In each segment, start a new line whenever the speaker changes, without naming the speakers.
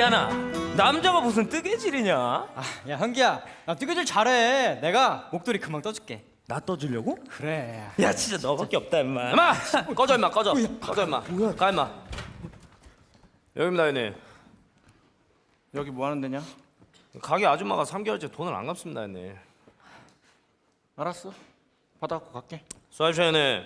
기아나, 남자가 무슨 뜨개질이냐?
야 현기야, 나 뜨개질 잘해. 내가 목도리 금방 떠줄게.
나 떠주려고?
그래.
야 진짜 너밖에 없다 임마. 임마 꺼져 임마 꺼져. 꺼져 임마. 가 임마. 여기입니다 형님.
여기 뭐 하는 데냐?
가게 아줌마가 3개월째 돈을 안 갚습니다 형님.
알았어. 받아갖고 갈게.
수고하십시오 형님.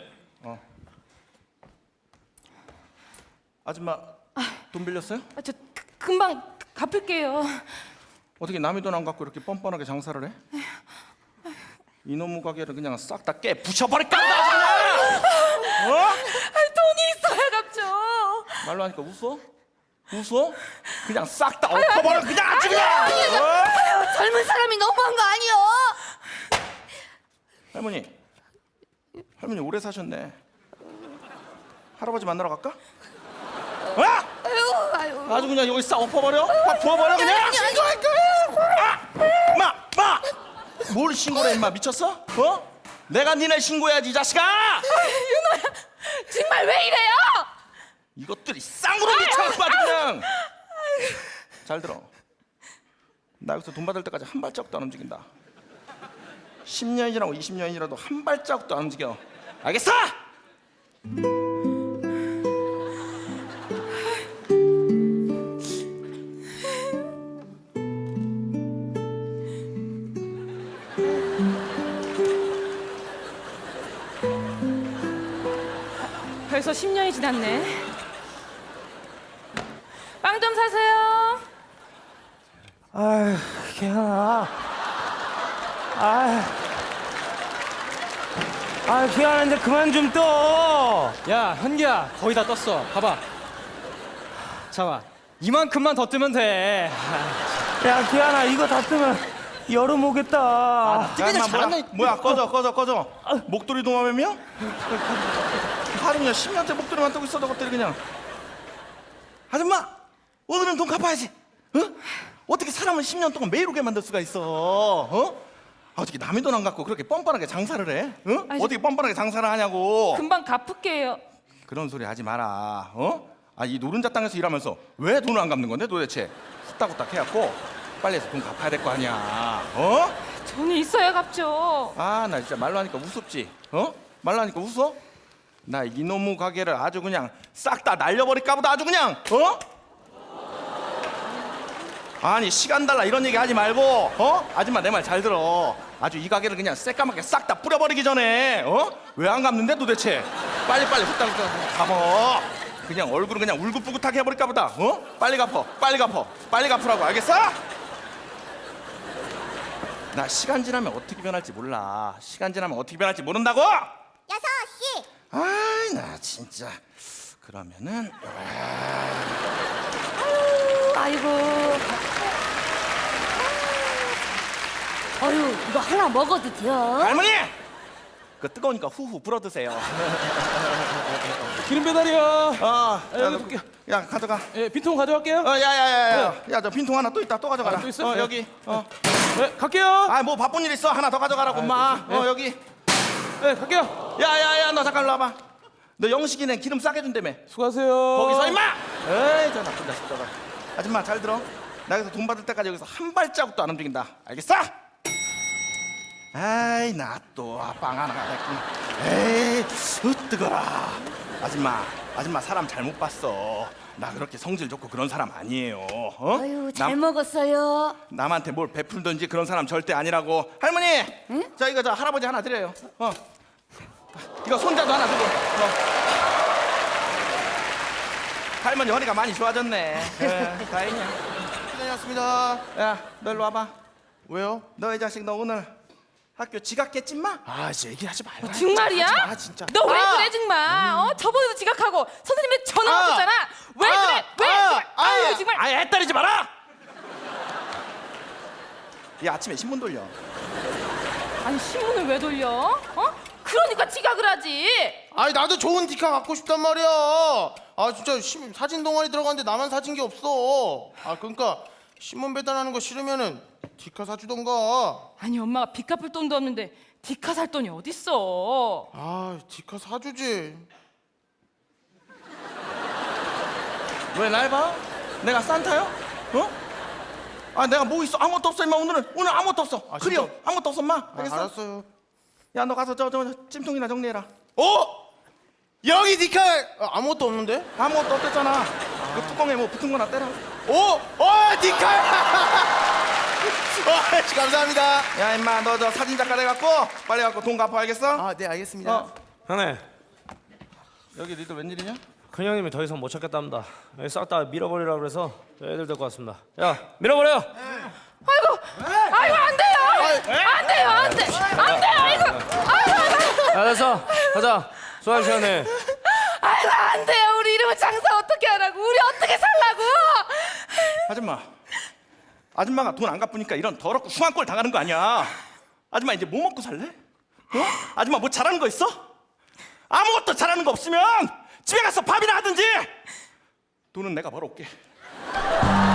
아줌마 돈 빌렸어요?
저 금방 갚을게요.
어떻게 남의 돈 안 갖고 이렇게 뻔뻔하게 장사를 해? 이놈의 가게를 그냥 싹 다 깨 부셔버릴까 보다 그냥! 어?
돈이 있어야 갚죠.
말로 하니까 웃어? 웃어? 그냥 싹 다 엎어버려 그냥 아주 그냥!
아유, 젊은 사람이 너무한 거 아니요?
할머니 오래 사셨네. 할아버지 만나러 갈까? 어?
아유.
아주 그냥 여기 싹 엎어버려? 다 부어버려 그냥! 신고할 거야! 마! 뭘 신고래 임마 미쳤어? 어? 내가 니네 신고해야지 이 자식아!
윤호야, 정말 왜 이래요?
이것들이 쌍으로 미쳐갖고 아주 그냥! 잘 들어. 나 여기서 돈 받을 때까지 한 발자국도 안 움직인다. 10년이라고 20년이라도 한 발자국도 안 움직여. 알겠어?
벌써 10년이 지났네. 빵 좀 사세요.
아휴 기아나. 기아나 이제 그만 좀 떠.
야 현기야, 거의 다 떴어. 봐봐. 잠깐, 이만큼만 더 뜨면 돼.
야 기아나 이거 다 뜨면 여름 오겠다.
뜨개질 잘한다. 뭐야 꺼져. 목도리 도마뱀이야? 하루 그냥 10년째 목도리만 뜨고 있어 저것들이 그냥. 아줌마 오늘은 돈 갚아야지. 어? 어떻게 사람을 10년 동안 매일 오게 만들 수가 있어? 어? 어떻게 남의 돈 안 갖고 그렇게 뻔뻔하게 장사를 해? 어?
아니,
어떻게 뻔뻔하게 장사를 하냐고.
금방 갚을게요.
그런 소리 하지 마라. 어? 이 노른자 땅에서 일하면서 왜 돈을 안 갚는 건데 도대체? 후딱후딱 해갖고 빨리 해서 돈 갚아야 될 거 아니야. 어?
돈이 있어야 갚죠.
나 진짜 말로 하니까 우습지? 어? 말로 하니까 웃어? 나 이놈의 가게를 아주 그냥 싹 다 날려버릴까 보다 아주 그냥. 어? 아니 시간 달라 이런 얘기 하지 말고 아줌마 내 말 잘 들어. 아주 이 가게를 그냥 새까맣게 싹 다 뿌려버리기 전에 왜 안 갚는데 도대체? 빨리빨리 후딱후딱 갚어. 그냥 얼굴은 그냥 울긋불긋하게 해버릴까 보다. 빨리 갚으라고. 알겠어? 나 시간 지나면 어떻게 변할지 몰라. 시간 지나면 어떻게 변할지 모른다고?
6시.
아이 나 진짜. 그러면은
아이고. 어휴, 이거 하나 먹어도 돼요?
할머니! 그 뜨거우니까 후후 불어 드세요.
기름 배달이요.
야 가져가.
예, 빈통 가져갈게요.
야야야야. 야 저 빈통 하나 또 있다. 또 가져가라.
또 있어?
여기.
네, 갈게요.
뭐 바쁜 일 있어. 하나 더 가져가라고 엄마. 여기.
네, 갈게요.
야야야 너 잠깐 일로 와봐. 너 영식이네 기름 싸게 준다며.
수고하세요.
거기서 임마! 에이 저 나쁜 자식 저거. 아줌마 잘 들어. 나 여기서 돈 받을 때까지 여기서 한 발자국도 안 움직인다. 알겠어? 아이 나 또 빵 하나 가겠군. 에이 뜨거라. 아줌마 사람 잘못 봤어. 나 그렇게 성질 좋고 그런 사람 아니에요.
아유, 잘 먹었어요.
남한테 뭘 베풀든지 그런 사람 절대 아니라고. 할머니,
응?
자 이거 저 할아버지 하나 드려요. 이거 손자도 하나 드려. 할머니 허리가 많이 좋아졌네. 다행이야.
다녀왔습니다.
야, 너 일로 와봐.
왜요?
너 이 자식 너 오늘 학교 지각했지 마?
이제 얘기하지 말라.
정말이야?
아 진짜.
너 왜 그래 정말? 저번에도 지각하고 선생님한테 전화 왔었잖아. 왜 그래? 왜? 아유 정말.
애 때리지 마라. 야 아침에 신문 돌려.
아니 신문을 왜 돌려? 그러니까 지각을 하지.
나도 좋은 디카 갖고 싶단 말이야. 진짜 사진 동아리 들어갔는데 나만 사진 게 없어. 그러니까 신문 배달하는 거 싫으면은 디카 사주던가.
아니 엄마가 빚 갚을 돈도 없는데 디카 살 돈이 어딨어?
디카 사주지.
왜 날 봐? 내가 산타요? 아 내가 뭐 있어? 아무것도 없어 임마. 오늘 아무것도 없어.
아,
그래요.
진짜?
아무것도 없어 임마. 알겠어?
알았어요.
야 너 가서 저 찜통이나 정리해라.
어? 여기 디카 아무것도 없는데?
아무것도 없댔잖아. 그 뚜껑에 뭐 붙은 거나 떼라.
디카. 감사합니다.
야 임마 너 저 사진 작가 돼갖고 빨리 갖고 돈 갚아 알겠어?
아, 네 알겠습니다.
어.
형님,
여기 니들 웬일이냐?
큰 형님이 더 이상 못 찾겠답니다. 여기 싹 다 밀어버리라 그래서 애들 데리고 왔습니다. 야, 밀어버려.
아이고 안 돼요. 안 돼요. 안 돼. 안 돼. 아이고.
야, 됐어. 가자. 수학 시간에.
아이고 안 돼요. 우리 이러면 장사 어떻게 하라고? 우리 어떻게 살라고?
아줌마가 돈 안 갚으니까 이런 더럽고 흉한 꼴 당하는 거 아니야. 아줌마 이제 뭐 먹고 살래? 아줌마 뭐 잘하는 거 있어? 아무것도 잘하는 거 없으면 집에 가서 밥이나 하든지. 돈은 내가 벌어올게.